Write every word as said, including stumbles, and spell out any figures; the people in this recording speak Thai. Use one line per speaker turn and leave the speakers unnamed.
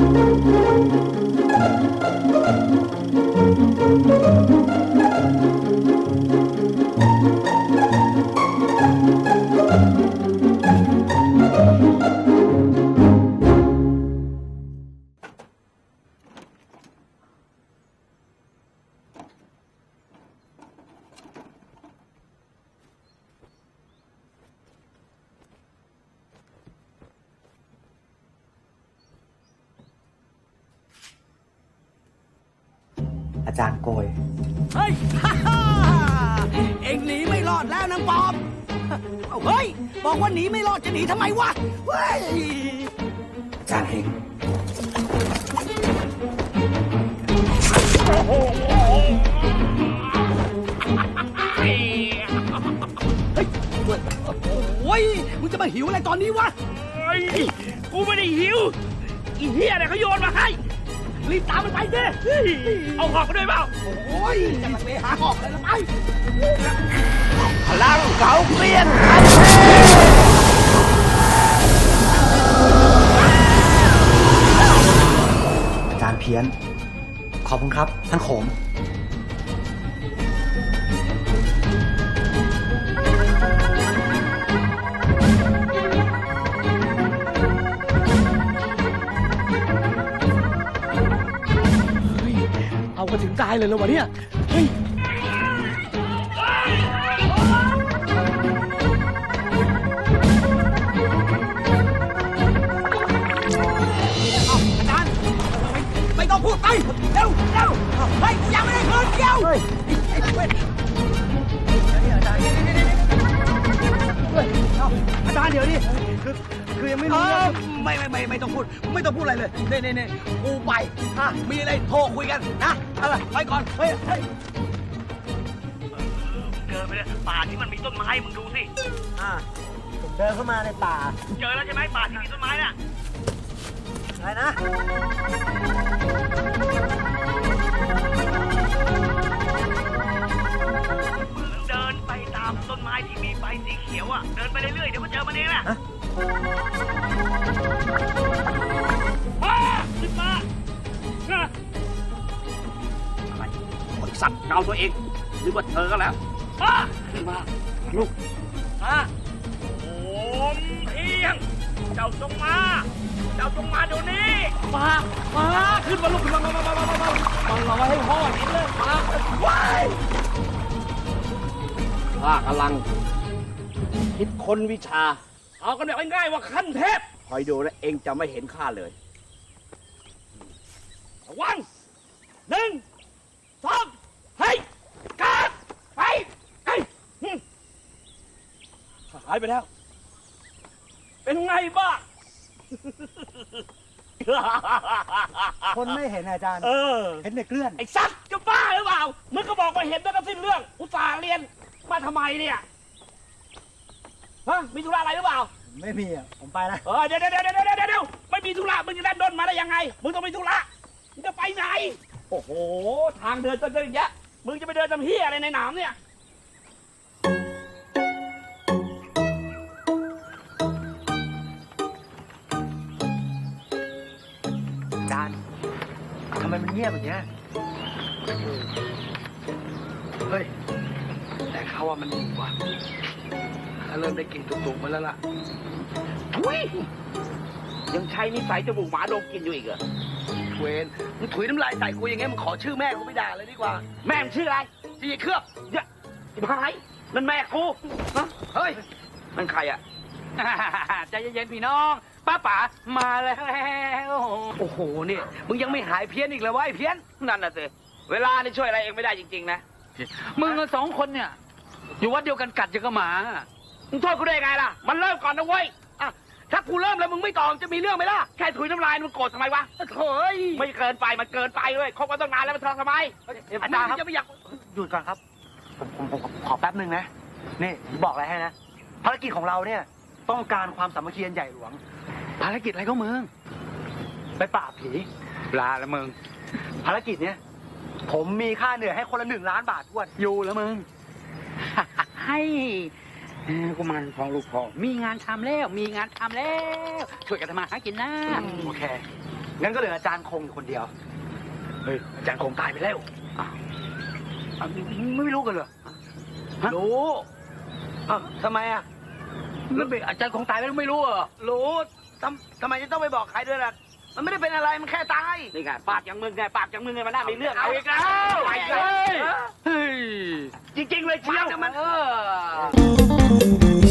อาจารย์โกย
เฮ้ย เอ็งหนีไม่รอดแล้วนางปอมเอาเฮ้ยบอกว่าหนีไม่รอดจะหนีทำไมวะเฮ้ย
อาจารย์เฮง
เฮ้ยโอ้ยมึงจะมาหิวอะไรตอนนี้วะ
เฮ้ยกูไม่ได้หิวอีเหี้ยเนี่ยเขาโยนมาให้
รีบตามมันไปเด้
เอาหอกมาด้วยเปล่า
โอ้ยจะมาไปหาหอกเลยละไป
พลังเขาเปลี่ยน
อาจารย์เพี้ยนขอบคุณครับท่านโขม
เอามาถึงตายเลยเหรอวะเนี่ยเฮ้ยอาจารย์ไม่ต้องพูดไปเร็วเร็วเฮ้ยยังไม่ได้คืนเดียวไอ้เว้ยอาจารย์อาจารย์เดี๋ยวนี้คือคือยังไม่รู้ไม่ไม่ไม่ไม่ต้องพูดไม่ต้องพูดอะไรเลยเน่เน่เน่กูไปอ่ะมีอะไรโทรคุยกันนะอะไรไปก่อนเฮ้ยเฮ้ย
เดินไปเลยป่าที่มันมีต้นไม้มึงดูสิ
อ่าผมเดินเข้ามาในป่า
เจอแล้วใช่ไหมป่าที่มีต้นไม้น่ะ
อะไรนะ
เดินไปตามต้นไม้ที่มีใบสีเขียวอ่ะเดินไปเรื่อยๆเดี๋ยวก็เจอมันเองน่ะมาขึ้นมาอะไรไอ้สัตว์เกาตัวเองหรือว่าเธอก็แล้วมาขึ้นมาลูกมาโอมเพียงเจ้าจงมาเจ้าจงมาเดี๋ยวนี้มามาขึ้นมาลูกขึ้นมามามามามามามามาให้พ่อเห็นเลยมาว้ายข้ากำลังคิดค้นวิชาเอากันแบบง่ายๆว่าขั้นเทพคอยดูแล้วเองจะไม่เห็นข้าเลยระวังหนึ่งสองให้การไปไอ้หายไปแล้วเป็นไงบ้าง
คนไม่เห็นอาจารย์
เออ
เห็นแต่เกลื่อน
ไอ้สัตว์จะบ้าหรือเปล่ามึงก็บอกว่าเห็นแล้วก็สิ้นเรื่องอุตส่าห์เรียนมาทำไมเนี่ยฮะมีธุระอะไรหรือเปล่า
ไม่มีอ่ะผมไปนะ
เออเดี๋ยวเดี๋ยวเดี๋ยวเดี๋ยวเดี๋ยวไม่มีธุระมึงจะได้ด้นมาได้ยังไงมึงต้องมีธุระมึงจะไปไหนโอ้โหทางเดินจะเดินเยอะมึงจะไปเดินทำเหี้ยอะไรในหนามเนี่ย
อาจารย์ทำไมมันเงียบแบบนี้เฮ้ยแต่เขาว่ามันดีกว่าเริ่มได้กลิ่นตุกๆมาแล้วล่ะ
ทุยยังใช้นิสัยจมูกหมาดมกินอยู่อีกเหรอ
เวนมึงถุยน้ำลายใส่กูอย่างเงี้ยมึงขอชื่อแม่กูไม่ด่าเลยดีกว่า
แม่มึงชื่ออะไร
ชื่อเครือบ
เยอะไอ้พายนั่นแม่กูนะ
เฮ้ย
มันใครอ่ะใจเย็นๆพี่น้องป้าป๋ามาแล้ว
โอ้โหเนี่ยมึงยังไม่หายเพี้ยนอีกเลยวะไอ้เพี้ยน
นั่นน่ะสิเวลานี่ช่วยอะไรเองไม่ได้จริงๆนะมึงสองคนเนี่ยอยู่วัดเดียวกันกัดยังก็หมามึงโทษกูได้ไงล่ะมันเริ่มก่อนนะเว้ยอ่ะถ้ากูเริ่มแล้วมึงไม่ตอบจะมีเรื่องไหมล่ะแค่ถุยน้ำลายมึงโกรธทำไมวะ
เฮ้ย
ไม่เกินไปมันเกินไปเลยคบกันตั้งนานแล้วมันทำทำไม
อาจารย์ครับจะไม่อยากหยุดก่อนครับผมผมผมขอแป๊บนึงนะนี่ผมบอกอะไรให้นะภารกิจของเราเนี่ยต้องการความสามัคคีใหญ่หลวง
ภารกิจอะไรก็มึง
ไปปราบผี
ลาละมึง
ภารกิจเนี้ยผมมีค่าเหนื่อยให้คนละหนึ่งล้านบาททวน
อยู่แล้วมึงให้กูมันพองลูกพอมีงานทำแล้วมีงานทำแล้วช่วยกันทำมาหากินนะ
โอเคงั้นก็เหลืออาจารย์คงอยู่คนเดียว
เฮ้ยอาจารย์คงตายไปแล้ว
อ่ะไม่รู้กันเหรอ
รู้
อ้าวทำไมอ่ะ
แล้วไม่อาจารย์คงตายแล้วไม่รู้เหรอ
รู้ทำทำไมจะต้องไปบอกใครด้วยล่ะมันไม่ได้เป็นอะไรมันแค่ตาย
นี่ไงปากอย่างมึงไงปากอย่างมึงไงมันน่ามีเรื่อง
เอา
เอา
อี
อี
ก
ก
แล้
แล้ว ว
ไป
ไป
เล
เลย ย
เฮ้ย
จริงๆเลยเชียว
มัน
เออ